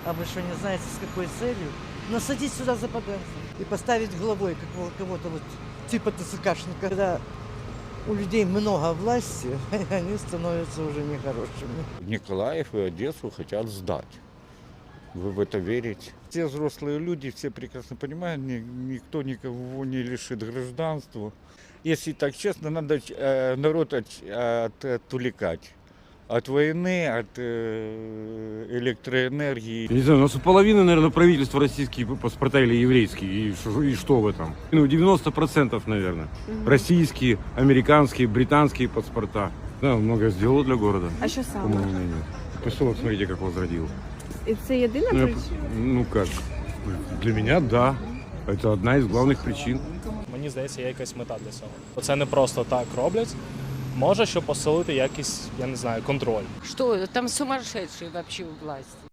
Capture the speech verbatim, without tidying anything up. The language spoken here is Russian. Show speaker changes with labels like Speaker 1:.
Speaker 1: А вы что, не знаете, с какой целью? Насадить сюда западанцев и поставить главой какого- кого-то вот типа ТСКшника. Когда у людей много власти, они становятся уже нехорошими.
Speaker 2: Николаев и Одессу хотят сдать. Вы в это верите? Все взрослые люди, все прекрасно понимают, ни- никто никого не лишит гражданства. Если так честно, надо э, народ от, от- отвлекать. От войны, от э, электроэнергии.
Speaker 3: Я не знаю, у нас у половины, наверное, правительства российские паспорта или еврейские. И что, и что в этом? Ну, девяносто процентов, наверное. Российские, американские, британские паспорта. Да, много сделало для города.
Speaker 4: А що
Speaker 3: По
Speaker 4: саме?
Speaker 3: моему мнению. Поселок, смотрите, как возродил.
Speaker 4: І це єдина
Speaker 3: Ну, я-
Speaker 4: причина?
Speaker 3: ну как, для меня да. Это одна из главных причин.
Speaker 5: Мені здається, є якась мета для цього. Це не просто так роблять. Може, щоб посилити якийсь, я не знаю, контроль.
Speaker 6: Что, там сумасшедшие вообще у власти.